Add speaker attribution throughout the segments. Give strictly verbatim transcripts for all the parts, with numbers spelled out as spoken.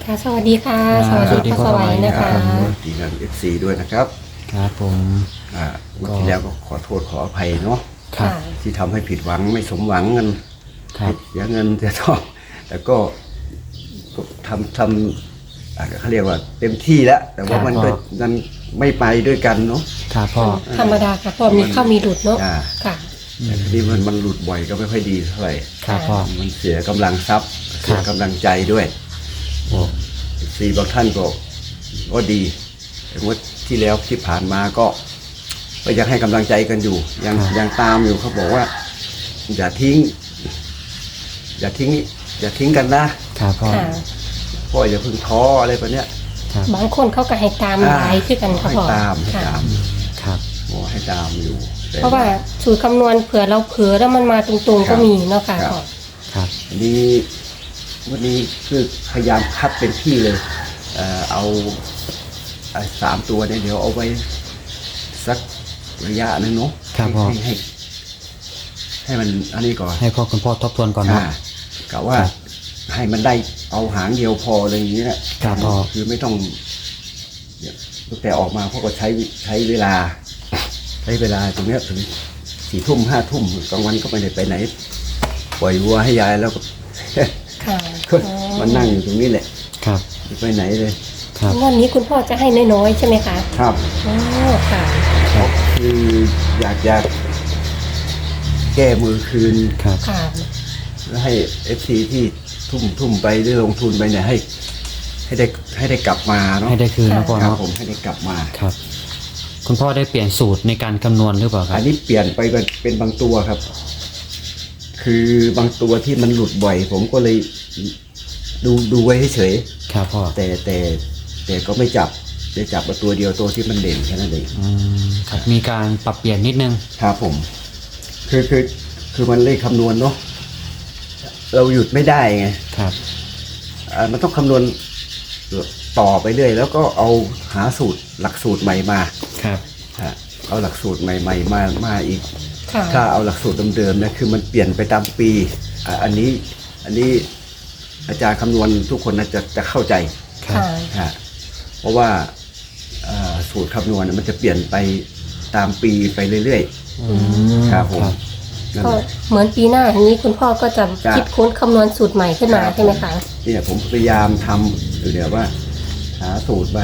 Speaker 1: ค่ะสวัสดีค่ะสวัสดีพ่อสวัยนะคะ
Speaker 2: ดีงานเอฟซีด้วยนะครับ
Speaker 3: ครับผม
Speaker 2: อ่าวันที่แล้วก็ขอโทษขออภัยเนาะ
Speaker 1: ค่ะ
Speaker 2: ที่ทำให้ผิดหวังไม่สมหวังกัน
Speaker 3: ครับ
Speaker 2: เสียเงินเสียทองแต่ก็ก็ทำทำอ่าเขาเรียกว่าเต็มที่แล้ว แต่ว่ามันก็มันไม่ไปด้วยกันเนาะ
Speaker 3: ครับพ่อ
Speaker 1: ธรรมดาค่ะพ่อมีเข้ามีหลุดเนาะ
Speaker 2: อ่า
Speaker 1: ค่ะ
Speaker 2: แต่ทีนี้มันมันหลุดบ่อยก็ไม่ค่อยดีเท่าไหร่
Speaker 3: ครับพ่อ
Speaker 2: มันเสียกำลังทรัพย์เสียกำลังใจด้วย
Speaker 3: โอ้
Speaker 2: ซีบางท่านก็ก็ดีแต่ว่าที่แล้วที่ผ่านมาก็ก็ยังให้กำลังใจกันอยู่ ยังยังตามอยู่เขาบอกว่า อย่าทิ้ง อย่าทิ้ง อย่าทิ้งกันนะครับ
Speaker 3: พ่อ
Speaker 1: ค่ะ
Speaker 2: พ่ออย่าเพิ่งท้ออะไรแบบเนี้ย
Speaker 3: ครับ
Speaker 1: บางคนเขาก็ให้ตามหลายขึ้นกันค่ะ
Speaker 2: ให้
Speaker 1: พ่อ
Speaker 2: ตามให้
Speaker 1: ค่ะ
Speaker 2: ตาม
Speaker 3: ครับ
Speaker 2: โอ้ให้ตามอยู่แต่
Speaker 1: เพราะว่าสูตรคำนวณเผื่อเราเผื่อแล้วมันมาตรงๆก็มีเนาะค่ะพ่อ
Speaker 3: ครับ
Speaker 2: อันนี้วันนี้คือพยายามคัดเป็นที่เลยเอ่อเอาไอ้สามตัวเนี่ยเดี๋ยวเอาไว้สักระยะหนึงเนาะ
Speaker 3: ครับพ่อ
Speaker 2: ให้ให้ให้มันอันนี้ก่อน
Speaker 3: ให้พ่อคุณพ่อทบทวนก่อนเนาะ
Speaker 2: อ่ากะว่าให้มันได้เอาหางเดียวพออะไรอย่างเงี้ย
Speaker 3: ครับพ่อ
Speaker 2: คือไม่ต้องเนี่ยตั้งแต่ออกมาพ่อก็ใช้ใช้เวลา ใช้เวลาตรงเนี้ยถึงสี่ทุ่มห้าทุ่มกลางวันก็ไม่ได้ไปไหน ปล่อยวัวให้ยายแล้วก็
Speaker 1: ค่ะ
Speaker 2: ก็มานั่งอยู่ตรงนี้แหละ
Speaker 3: ครับ
Speaker 2: ไม่ไปไหนเลย
Speaker 3: ครับ
Speaker 1: วันนี้คุณพ่อจะให้น้อยๆใช่ไหมคะ
Speaker 2: ครับ
Speaker 1: โอ้ค่ะ
Speaker 3: ครับ
Speaker 2: คืออยากจะแก้มือคืน
Speaker 3: ครับ
Speaker 1: ค่ะ
Speaker 2: แล้วให้เอฟซีที่ทุ่มทุ่มไปหรือลงทุนไปเนี่ยให้ ให้ได้ให้ได้กลับมาเนาะ
Speaker 3: ให้ได้คืนนะพ่อ
Speaker 2: ครับ
Speaker 3: เนาะ
Speaker 2: ผมให้ได้กลับมา
Speaker 3: ครับ คุณพ่อได้เปลี่ยนสูตรในการคำนวณหรือเปล่าครั
Speaker 2: อั
Speaker 3: บ
Speaker 2: นนี้เปลี่ยนไปเป็นเป็นบางตัวครับ คือบางตัวที่มันหลุดบ่อย ผมก็เลยดูดูไว้เฉย
Speaker 3: ครับพ่อ
Speaker 2: ๆแต่แต่แต่ก็ไม่จับจะจับมาตัวเดียวตัวที่มันเด่นแค่นั้นเอง
Speaker 3: อืมครับมีการปรับเปลี่ยนนิดนึง
Speaker 2: ครับผม คือคือคือมันเลขคำนวณเนาะเราหยุดไม่ได้ไง
Speaker 3: ครับ
Speaker 2: อ่ามันต้องคำนวณต่อไปเรื่อยแล้วก็เอาหาสูตรหลักสูตรใหม่มา
Speaker 3: ครับ
Speaker 2: ฮะเอาหลักสูตรใหม่ ๆ มามาอีก
Speaker 1: ค่ะ
Speaker 2: ถ้าเอาหลักสูตรเดิมๆนะคือมันเปลี่ยนไปตามปีอ่ะอันนี้อันนี้อาจารย์คำนวณทุกคนน่าจะจะเข้าใจ
Speaker 3: ครับ
Speaker 1: ค่ะ
Speaker 2: ฮะเพราะว่าอ่าสูตรคำนวณน่ะมันจะเปลี่ยนไปตามปีไปเรื่อย
Speaker 3: อืม
Speaker 2: ๆครับผม
Speaker 3: ครับ
Speaker 2: นั่น
Speaker 1: ก็
Speaker 2: แหละ
Speaker 1: เหมือนปีหน้าอย่างนี้คุณพ่อก็จะ
Speaker 2: จ้ะ
Speaker 1: คิดค้นคำนวณสูตรใหม่ขึ้นมาใช่ไหมคะ
Speaker 2: เนี่ยผมพยายามทำอยู่เดี๋ยวว่า หาสูตรมา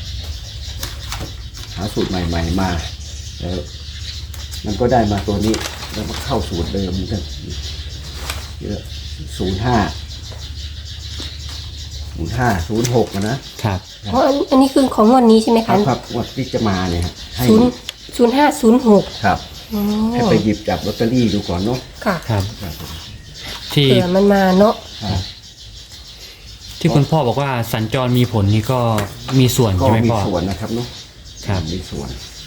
Speaker 2: หาสูตรใหม่ ๆ มาแล้วมันก็ได้มาตัวนี้ แล้วมาเข้าสูตรเดิมมันก็เยอะศูนย์ห้าศูนย์ห้าศูนย์หกนะครับ
Speaker 1: เพราะอันอันนี้คือของงวันนี้ใช่ไหม
Speaker 2: ครั
Speaker 1: คะ
Speaker 2: บครับงวดที่จะมาเนี่ยฮะให้
Speaker 1: ศูนย์ศูนย์ห้าศูนย์หก
Speaker 2: ครับ
Speaker 1: อ๋อ
Speaker 2: ให้ไปหยิบจับลอตเตอรี่ดูก่อนเนาะ
Speaker 1: ค่ะ
Speaker 3: ครับ
Speaker 2: ครับผม
Speaker 3: ที่
Speaker 1: เผื่อมันมาเนาะ
Speaker 2: ครับ
Speaker 3: ที่คุณพ่อบอกว่าสัญจรมีผลนี่ก็มีส่วน
Speaker 2: ก็
Speaker 3: ใช่ไหม
Speaker 2: มี
Speaker 3: พ่อ
Speaker 2: ส่วนนะครับเนาะ
Speaker 3: ครับ
Speaker 2: มีส่วน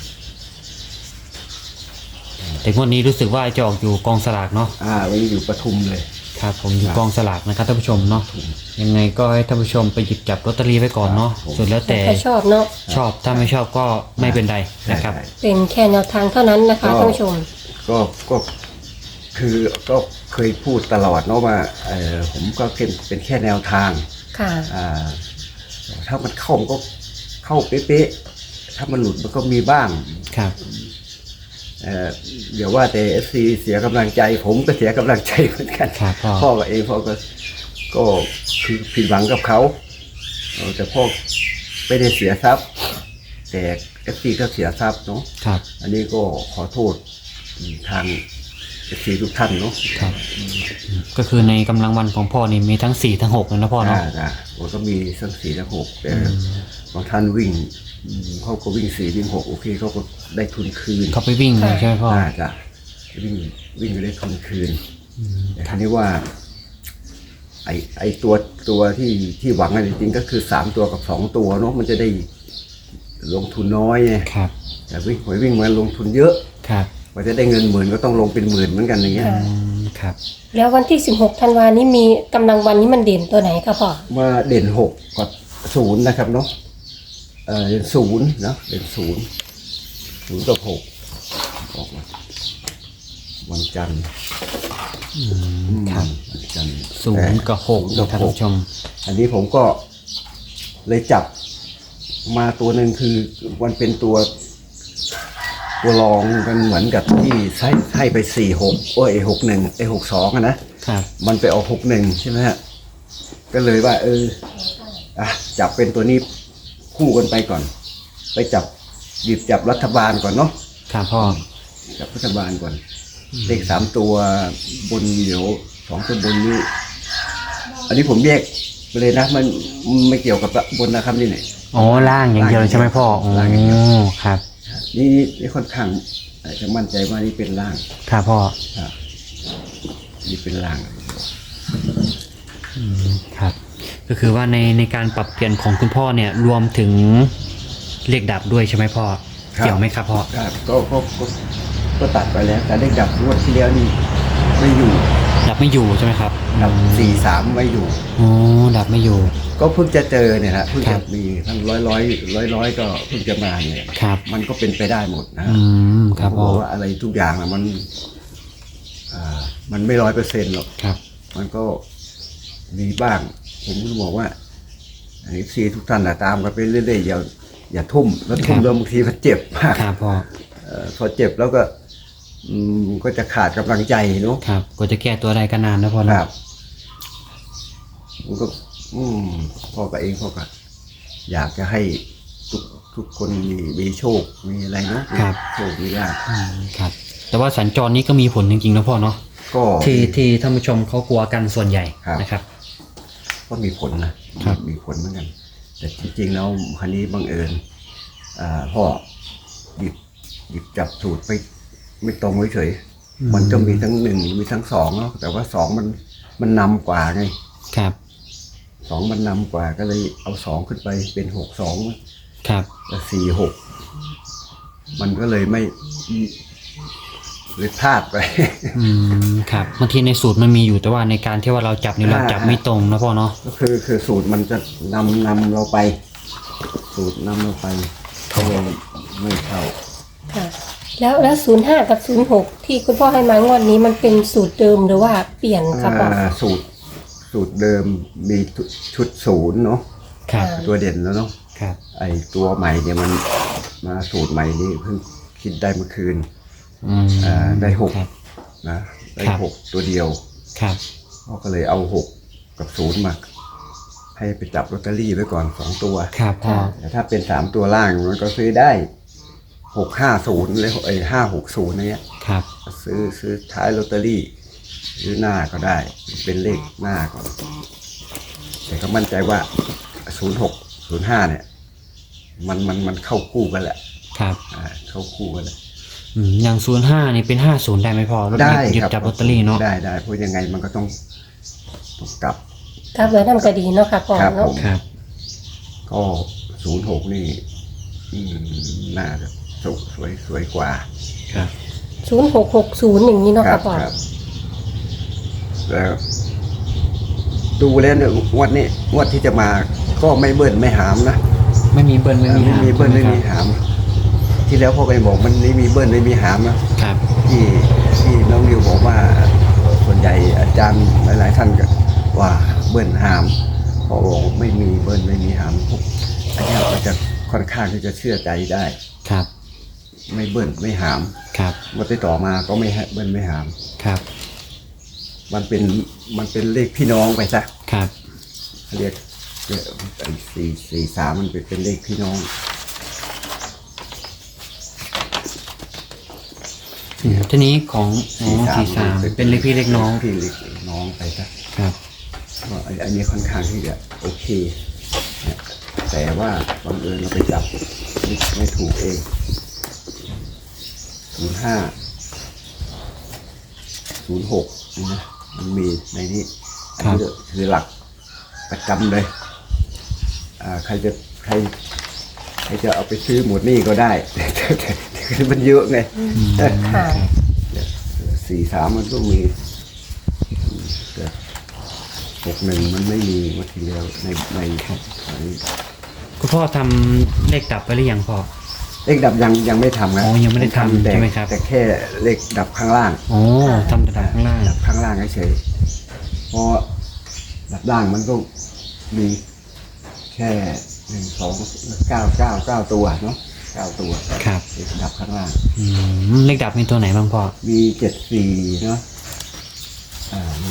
Speaker 3: แต่งวดนี้รู้สึกว่าจะออกอยู่กองสลากเนาะ
Speaker 2: อ่าวันนี้อยู่ปทุมเลย
Speaker 3: ครับผมอยู่
Speaker 2: ครับ
Speaker 3: กองสลากนะครับท่านผู้ชมเนาะยังไงก็ให้ท่านผู้ชมไปหยิบจับลอตเตอรี่ไว้ก่อนเนาะ
Speaker 2: ครับผม
Speaker 3: ส่วนแล้วแต่
Speaker 1: ใครชอบเนาะ
Speaker 3: ชอบถ้าไม่ชอบก็ไม่เป็นไรนะครับ
Speaker 2: ใช่
Speaker 1: เป็นแค่แนวทางเท่านั้นนะคะ
Speaker 2: ก็
Speaker 1: ท่านผู้ชม
Speaker 2: ก็ก็คือก็เคยพูดตลอดเนาะว่าเออผมก็เป็นเป็นแค่แนวทาง
Speaker 1: ค่ะ
Speaker 2: อ่าถ้ามันเข้ามันก็เข้าเป๊ะๆถ้ามันหลุดมันก็มีบ้าง
Speaker 3: ครับ
Speaker 2: เอ่อเดี๋ยวว่าแต่เอฟซีเสียกำลังใจ ผมก็เสียกำลังใจเหมือนกัน
Speaker 3: ครับพ่อ
Speaker 2: พ่อกับเองพ่อก็ก็คือผิดหวังกับเขาเออแต่พ่อไม่ได้เสียทรัพย์ แต่เอฟซีก็เสียทรัพย์เนาะ
Speaker 3: ครับ
Speaker 2: อันนี้ก็ขอโทษทางเอฟซีทุกท่านเนาะ
Speaker 3: ครับก็คือในกำลังวันของพ่อนี่มีทั้งสี่ทั้งหกเลยนะพ่อเนาะ
Speaker 2: อ่าจ้ะผมก็มีสักสี่ทั้งหกแต่บางท่านวิ่งอืมเขาก็วิ่งสี่วิ่งหกโอเคเขาก็ได้ทุนคืน
Speaker 3: เขาไปวิ่งเลยใช่ไหมพ่อ
Speaker 2: อ่าจ้ะวิ่งวิ่งก็ได้ทุนคืนแต่ทีนี้ว่า ไอไอตัวตัวที่ที่หวังจริงๆก็คือสามตัวกับสองตัวเนาะมันจะได้ลงทุนน้อยไง
Speaker 3: ครับ
Speaker 2: แต่วิ่งหวยวิ่งมาลงทุนเยอะ
Speaker 3: ครับ
Speaker 2: กว่าจะได้เงินหมื่นก็ต้องลงเป็นหมื่นเหมือนกันอย่างเงี้ย
Speaker 1: ค่ะ
Speaker 3: อืมครับ
Speaker 1: แล้ววันที่สิบหกธันวานี้มีกำลังวันนี้มันเด่นตัวไหนคะพ่อ
Speaker 2: มาเด่นหกกับศูนย์นะครับเนาะเออเด่นศูนย์เนาะเด่นศูนย์ศูนย์กับหกออกมาวันจันทร์
Speaker 3: อืมครับ
Speaker 2: วันจันทร์
Speaker 3: ศูนย์กับหก
Speaker 2: ศูนย์
Speaker 3: นะ
Speaker 2: กับ
Speaker 3: ท่าน
Speaker 2: หก
Speaker 3: ผู้ชม
Speaker 2: อันนี้ผมก็เลยจับมาตัวหนึ่งคือมันเป็นตัว ตัวรองกันเหมือนกับที่ให้ให้ไปสี่หกโอ้ยหกหนึ่งไอหกสองอะนะครับ มันไปออกหกหนึ่งใช่ไหมฮะก็เลยว่า เอออ่ะจับเป็นตัวนี้คู่กันไปก่อน ไปจับหยิบจับรัฐบาลก่อนเนาะ
Speaker 3: ครับพ่อ
Speaker 2: จับรัฐบาลก่อนเลขสามตัวบนเดี๋ยวสองตัวบนนี้ อันนี้ผมแยกไปเลยนะมันไม่เกี่ยวกับบนนะครับนี่เนี่ย
Speaker 3: อ๋อล่างอย่างเดียวเลยใช่ไหมพ่อโอ้
Speaker 2: ล่างอย่างเดียว
Speaker 3: ครับ
Speaker 2: นี่นี่ค่อนข้างอาจจะมั่นใจว่านี่เป็นล่าง
Speaker 3: ครับพ่อ
Speaker 2: ครับนี่เป็นล่าง
Speaker 3: อืมครับ ก็คือว่าในในการปรับเปลี่ยนของคุณพ่อเนี่ยรวมถึงเลขดับด้วยใช่ไหมพ่อ
Speaker 2: ครับ
Speaker 3: เกี่ยวไหมครับพ่อ
Speaker 2: ครับก็ก็ก็ก็ตัดไปแล้ว แต่ได้ดับงวดที่แล้วนี่ไม่อยู่
Speaker 3: ดับไม่อยู่ใช่ไหมครับ
Speaker 2: ดับสี่สามไม่อยู่
Speaker 3: อ๋อดับไม่อยู่
Speaker 2: ก็เพิ่งจะเจอเนี่ยนะเพิ่ง
Speaker 3: ครั
Speaker 2: จะ
Speaker 3: บ
Speaker 2: มีทั้งร้อยร้อยร้อยร้อยก็เพิ่งจะมาเนี่ย
Speaker 3: ครับ
Speaker 2: มันก็เป็นไปได้หมดนะ
Speaker 3: อืมครับ
Speaker 2: เพ
Speaker 3: พ่อ
Speaker 2: ราะว่าอะไรทุกอย่างอะมันอ่ามันไม่ร้อยเปอร์เซ็นต์หรอก
Speaker 3: ครับ
Speaker 2: มันก็มีบ้าง ผมก็บอกว่าไอ้ซีทุกท่านน่ะตามกันไปเรื่อยๆอย่าอย่าทุ่มแล้วทุ่มแล้วบางทีมันเจ็บมาก
Speaker 3: ครับพ่อ
Speaker 2: เอ่อพอเจ็บแล้วก็อืมก็จะขาดกำลังใจเนาะ
Speaker 3: ครับก็จะแก้ตัวได้ก็นานนะพ่อ
Speaker 2: ค
Speaker 3: นะ
Speaker 2: รับผมก็ อืมพ่อกับเองพ่อก็อยากจะให้ทุกทุกคนมีมีโชคมีอะไรเนาะมีโชคมีลาภ
Speaker 3: อืมครับ แต่ว่าสัญจรนี้ก็มีผลจริงๆนะพ่อเนาะ
Speaker 2: ก็
Speaker 3: ที่ที่ท่านผู้ชมเขากลัวกันส่วนใหญ่
Speaker 2: ครับ
Speaker 3: นะครับ
Speaker 2: ก็มีผลนะครับ มีผลเหมือนกัน แต่จริงๆแล้วคันนี้บังเอิญอ่าพ่อหยิบหยิบจับสูตรไปไม่ตรงเฉยๆ
Speaker 3: อืม
Speaker 2: มันจะมีทั้งหนึ่งมีทั้งสองเนาะแต่ว่าสองมันมันนำกว่าไง
Speaker 3: ครับ
Speaker 2: สองมันนำกว่าก็เลยเอาสองขึ้นไปเป็นหกสอง
Speaker 3: ครับ
Speaker 2: แล้วสี่หกมันก็เลยไม่เลยพลาดไป
Speaker 3: อืมครับบางทีในสูตรมันมีอยู่แต่ว่าในการที่ว่าเราจับนี่เราจับไม่ตรงนะพ่อเนาะ
Speaker 2: ก็คือคือสูตรมันจะนำนำเราไป สูตรนำเราไปเขาเลยไม่เข้า
Speaker 1: ค่ะ แล้วแล้วศูนย์ห้ากับศูนย์หกที่คุณพ่อให้มางวดนี้มันเป็นสูตรเดิมหรือว่าเปลี่ยนครับพ่อ
Speaker 2: อ่าสูตรสูตรเดิมมีชุดศูนย์เนาะ
Speaker 3: ครับ
Speaker 2: ตัวเด่นแล้วเนาะ
Speaker 3: ครับ
Speaker 2: ไอตัวใหม่เนี่ยมันมาสูตรใหม่นี่เพิ่งคิดได้เมื่อคืน
Speaker 3: อืม
Speaker 2: อ่าได้หก
Speaker 3: ครับ
Speaker 2: นะได้
Speaker 3: ครับ
Speaker 2: หกตัวเดียว
Speaker 3: ครับ
Speaker 2: เขาก็เลยเอาหกกับศูนย์มาให้ไปจับลอตเตอรี่ไว้ก่อนสองตัว
Speaker 3: ครับพ่อ
Speaker 2: แต่ถ้าเป็นสามตัวล่างมันก็ซื้อได้หกห้าศูนย์เลยไอ้ห้าหกศูนย์เนี่ย
Speaker 3: ครับ
Speaker 2: ซื้อซื้อท้ายลอตเตอรี่ซื้อหน้าก็ได้ เป็นเลขหน้าก่อนแต่ก็มั่นใจว่าศูนย์หกศูนย์ห้าเนี่ย มันมันมันเข้าคู่กันแหละ
Speaker 3: ครับ
Speaker 2: อ่าเข้าคู่กันแหละ
Speaker 3: อืมอย่างศูนย์ห้านี่เป็นห้าศูนย์ได้ไหมพ่อแล้วหยิ
Speaker 2: ได้
Speaker 3: บหยิบ
Speaker 2: ครับ
Speaker 3: จับลอตเตอรี่เนาะ
Speaker 2: ได้ได้เพราะยังไงมันก็ต้องต้องกลับ
Speaker 1: ครับแล้วนำก็ดีเนาะค่ะพ่อ
Speaker 2: ครับ
Speaker 1: เนาะ
Speaker 2: ผม
Speaker 3: ครับ
Speaker 2: ก็ศูนย์หกนี่อืมน่าจะสวยสวยสวยกว่า
Speaker 3: ครับ
Speaker 1: ศูนย์หกหกศูนย์อย่างนี้เนาะ
Speaker 2: ค
Speaker 1: ค่ะ
Speaker 2: รับ
Speaker 1: พ่อ
Speaker 2: ครับแล้วดูแล้วเนี่ยงวดนี้งวดที่จะมาก็ไม่เบิ้ลไม่หามนะ
Speaker 3: ไม่มีเบิ้ลไม่มี
Speaker 2: ไม่
Speaker 3: หาง
Speaker 2: มีเบิ้ลไม่มี
Speaker 3: ใช่หครับ
Speaker 2: หาม ที่แล้วพ่อไปบอกมันไม่มีเบิ้ลไม่มีหามนะครับ ที่ที่น้องนิวบอกว่าส่วนใหญ่อาจารย์หลาย ๆ ท่านก็ว่าเบิ้ลหามพอบอกไม่มีเบิ้ลไม่มีหามปุ๊บอันนี้เราจะค่อนข้างที่จะเชื่อใจได้
Speaker 3: ครับ
Speaker 2: ไม่เบิ้ลไม่หาม
Speaker 3: ครับ
Speaker 2: งวดที่ต่อมาก็ไม่ให้เบิ้ลไม่หาม
Speaker 3: ครับ
Speaker 2: มันเป็นมันเป็นเลขพี่น้องไปซะ
Speaker 3: ครับ
Speaker 2: เขาเรียกเรียกไอ้สี่สี่สามมันเป็นเป็นเลขพี่น้อง
Speaker 3: อืมทีนี้ของอ๋อสี่สามเป็นเลขพี่เล็กน้อง
Speaker 2: พี่เล็กน้องไปซะ
Speaker 3: ครับ
Speaker 2: ก็ไอ้อันนี้ค่อนข้างที่จะโอเคนะแต่ว่าบังเอิญเราไปจับไม่ไม่ถูกเองศูนย์ห้าศูนย์หกนี่นะมันมีในนี้อันนี้คือหลักประจำเลยอ่าใครจะใครใครจะเอาไปซื้อหมดนี่ก็ได้ แต่มันเยอะไง
Speaker 1: ค่ะ
Speaker 2: สี่สามมันก็มีแต่หกหนึ่งมันไม่มีมาทีเดียวในในใน
Speaker 3: คุณพ่อทำเลขดับไปหรือยังพ่อ
Speaker 2: เลขดับยังยังไม่ทำนะ
Speaker 3: อ๋อยังไม่ได้ทำ
Speaker 2: แต่
Speaker 3: ใช่ไหมครับ
Speaker 2: แต่แค่เลขดับข้างล่าง
Speaker 3: โอ้ทำแต่ดับข้างล่าง
Speaker 2: ดับข้างล่างเฉยๆเพราะดับล่างมันก็มีแค่หนึ่งสองเก้าเก้าเก้าตัวเนาะเก้าตัว
Speaker 3: ครับ
Speaker 2: เลขดับข้างล่าง
Speaker 3: อืมเลขดับมีตัวไหนบ้างพ่อ
Speaker 2: มีเจ็ดสี่เนาะอ่านี่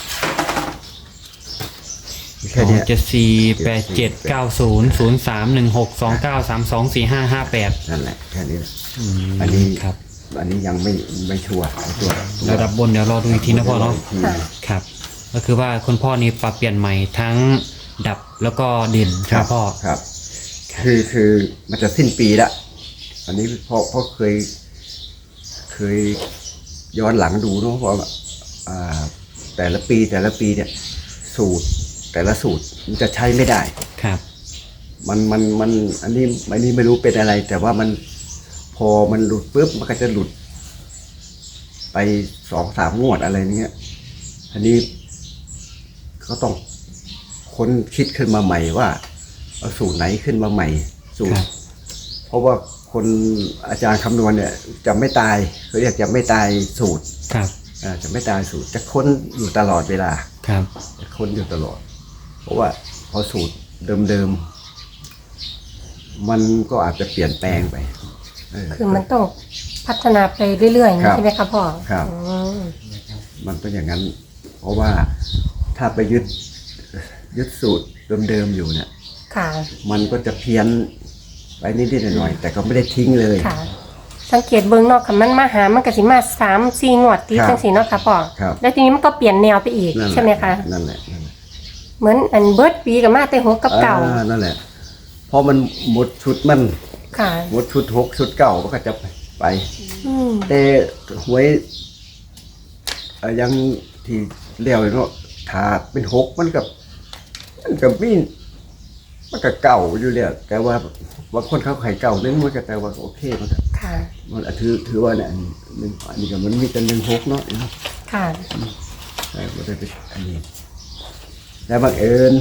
Speaker 3: ส
Speaker 2: แค่
Speaker 3: อง
Speaker 2: เนี้ย
Speaker 3: เจ็ดสี่แปดเจ็ดเก้าศูนย์ศูนย์สามหนึ่งหกสองเก้าสามสองสี่ห้าห้าแปด
Speaker 2: นั่นแหละแค่นี้แหละ
Speaker 3: อืม
Speaker 2: อันนี้
Speaker 3: ครับ
Speaker 2: อันนี้ยังไม่ไม่ชัวร์ไอ้ตัว
Speaker 3: ระดับบนเดี๋ยวรอดูอีกทีนะพ่อเนาะ
Speaker 2: ที
Speaker 1: ค่ะ
Speaker 3: ครับ ก็คือว่าคุณพ่อนี่ปรับเปลี่ยนใหม่ทั้งดับแล้วก็เด่นครับพ่อ
Speaker 2: ครับ คือคือมันจะสิ้นปีละอันนี้พ่อพ่อเคย เคยย้อนหลังดูเนาะเพราะว่าอ่า แต่ละปีแต่ละปีเนี่ย สูตรแต่ละสูตรมันจะใช้ไม่ได้
Speaker 3: ครับ
Speaker 2: มันมันมันอันนี้อันนี้ไม่รู้เป็นอะไร แต่ว่ามันพอมันหลุดปุ๊บมันก็จะหลุด ไปสองสามงวดอะไรเงี้ยอันนี้ก็ต้องค้นคิดขึ้นมาใหม่ว่าเอาสูตรไหนขึ้นมาใหม่ สูต
Speaker 3: ค
Speaker 2: ร
Speaker 3: รับ
Speaker 2: เพราะว่าคนอาจารย์คำนวณเนี่ยจะไม่ตายเขาเรียกจะไม่ตายสูตร
Speaker 3: ครับ
Speaker 2: อ่าจะไม่ตายสูตร จะค้นอยู่ตลอดเวลา
Speaker 3: ครับ
Speaker 2: จะค้นอยู่ตลอด เพราะว่าพอสูตรเดิมๆมันก็อาจจะเปลี่ยนแปลงไปเออ
Speaker 1: คือมันต้องพัฒนาไปเรื่อยๆอย่าง
Speaker 2: ครั
Speaker 1: นี้
Speaker 2: บ
Speaker 1: ใช่ไหมคะพ่อ
Speaker 2: ครับ
Speaker 1: อืม
Speaker 2: มันเป็นอย่างนั้น เพราะว่าถ้าไปยึดยึดสูตรเดิมๆอยู่เนี่ย
Speaker 1: ค่ะ
Speaker 2: มันก็จะเพี้ยนไปนิดๆหน่อยๆแต่ก็ไม่ได้ทิ้งเลย
Speaker 1: ค่ะ สังเกตเบิ้งเนอกค่ะมันมาหามันก็สิมาสามสี่งวดติด
Speaker 2: ครับ
Speaker 1: จังสีเนาะค่ะพ่อ
Speaker 2: ครับ
Speaker 1: แล้วทีนี้มันก็เปลี่ยนแนวไปอีก
Speaker 2: นั่นแหละ
Speaker 1: ใช่ไหมคะ
Speaker 2: นั่นแหละนั่นแหละ
Speaker 1: เหมือนอันเบิร์ดปีกับมาแต่หัวกับเก่า
Speaker 2: อ่นั่นแหละเพราะมันหมดชุดมัน
Speaker 1: ค่ะ
Speaker 2: หมดชุดหกชุดเก่ามันก็จะไป
Speaker 1: อืม
Speaker 2: แต่หวยเอ่อยังที่เลี้ยวเนาะถ้าเป็นหกมันกับมันกับมีมันก็เก่าอยู่แล้วแต่ว่าบางคนเขาไข่เก่านึงมันก็แต่ว่าโอเคมันก็
Speaker 1: ค่ะ
Speaker 2: มันอ่ะถือถือว่าเนี่ยอันหนึ่งอันนี้ก็มันมีแต่หนึ่งหกเนาะ
Speaker 1: ค่ะ
Speaker 2: ใช่ก็ได้เป็นอันนี้แล้วบังเอิญ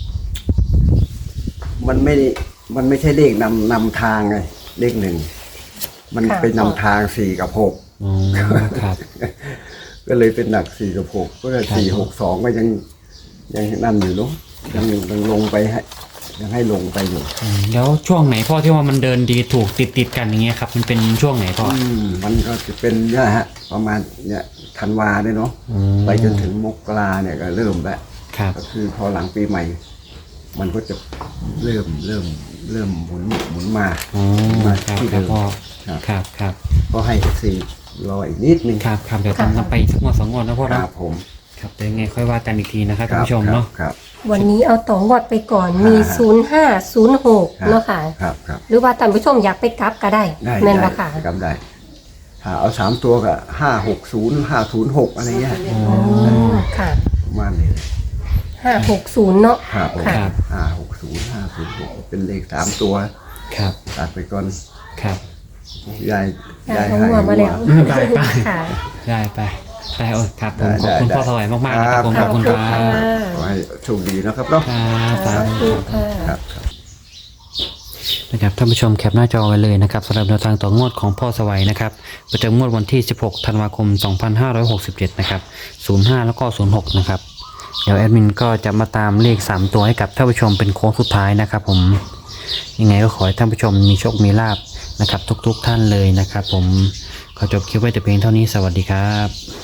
Speaker 2: มันไม่ได้มันไม่ใช่เลขนำนำทางไงเลขหนึ่งมัน
Speaker 1: ค่ะ
Speaker 2: เป็นนำทางสี่กับหก
Speaker 3: อ๋อครับ
Speaker 2: ก็เลยเป็นหนักสี่กับหกก็เลย
Speaker 3: ครับ
Speaker 2: สี่หกสองก็ยังยังนั่นอยู่เนาะยังยังลงไปให้ยังให้ลงไปอยู่
Speaker 3: อืมแล้วช่วงไหนพ่อที่ว่ามันเดินดีถูกติดติดๆกันอย่างเงี้ยครับ มันเป็นช่วงไหนพ่อ
Speaker 2: อืมมันก็จะเป็นเนี่ยฮะ ประมาณเนี่ยธันวาเนี่ยเนาะ
Speaker 3: อืม
Speaker 2: ไปจนถึงมกราเนี่ยก็เริ่มแล้ว
Speaker 3: ครับ
Speaker 2: ก็คือพอหลังปีใหม่ มันก็จะเริ่มเริ่มเริ่มหมุนหมุนมา
Speaker 3: อ๋อ
Speaker 2: มา
Speaker 3: ครับ
Speaker 2: ที่
Speaker 3: ครั
Speaker 2: เดิ
Speaker 3: บ
Speaker 2: ม
Speaker 3: พ่อ
Speaker 2: ครับ
Speaker 3: ครับครับ
Speaker 2: ก็ให้เอฟซีรออีกนิดนึง
Speaker 3: ครับครับเดี๋ยวต้องต้องไปสักงวดสองงวดนะพ่อ
Speaker 2: ค
Speaker 3: เนาะ
Speaker 2: รับผม
Speaker 3: ครับเดี๋ยวยังไงค่อยว่ากันอีกทีนะครับ
Speaker 2: ค
Speaker 3: ท่าน
Speaker 2: รับ
Speaker 3: ผู้ชมเนาะ
Speaker 2: ครับ
Speaker 1: วันนี้เอาต่องวดไปก่อน มี
Speaker 2: อ่า
Speaker 1: ศูนย์ห้าศูนย์หก
Speaker 2: ครับ
Speaker 1: เนาะค่ะ
Speaker 2: ครับครับ
Speaker 1: หรือว่าท่านผู้ชมอยากไปกลับก็ได้
Speaker 2: ได้
Speaker 1: แม่น
Speaker 2: ได้
Speaker 1: บ่ค่ะ
Speaker 2: จำได้ถ้าเอาสามตัวก็ห้าหกศูนย์ห้าศูนย์หกอะไรเงี้ย
Speaker 1: อ๋อค่ะ
Speaker 2: ประมาณนี้
Speaker 1: ห้าหกศูนย์เนาะ
Speaker 2: ครับผม
Speaker 1: ค่ะ
Speaker 2: ห้าหกศูนย์ห้าศูนย์หกเป็นเลขสามตัว
Speaker 3: ครับ
Speaker 2: ตัดไปก่อน
Speaker 3: ครับ
Speaker 2: ยาย
Speaker 1: ได้
Speaker 2: ยาย
Speaker 1: ทั้ง
Speaker 2: ให้
Speaker 1: หัวมาแล้ว
Speaker 3: ได้ไป
Speaker 1: ค่ะ
Speaker 3: ได้ไปได้โอ้ครับผม
Speaker 2: ได้
Speaker 3: ขอบคุณ
Speaker 2: ได้
Speaker 3: พ่อถวายมากๆนะครับผม
Speaker 2: ค
Speaker 3: ข
Speaker 2: รั
Speaker 3: อบ บคุณครับ
Speaker 2: ขอให้โชคดีนะครับเนาะ
Speaker 3: ครับสา
Speaker 1: สา
Speaker 3: ธุ
Speaker 1: ธุค่ะ
Speaker 2: ครับครับ
Speaker 3: นะครับท่านผู้ชมแคปหน้าจอไว้เลยนะครับสำหรับแนวทางต่องวดของพ่อสวัยนะครับประจำงวดวันที่สิบหกธันวาคมสองพันห้าร้อยหกสิบเจ็ดนะครับศูนย์ห้าแล้วก็ศูนย์หกนะครับเดี๋ยวแอดมินก็จะมาตามเลขสามตัวให้กับท่านผู้ชมเป็นโค้งสุดท้ายนะครับผมยังไงก็ขอให้ท่านผู้ชมมีโชคมีลาภนะครับทุกๆท่านเลยนะครับผมขอจบคลิปไว้แต่เพียงเท่านี้สวัสดีครับ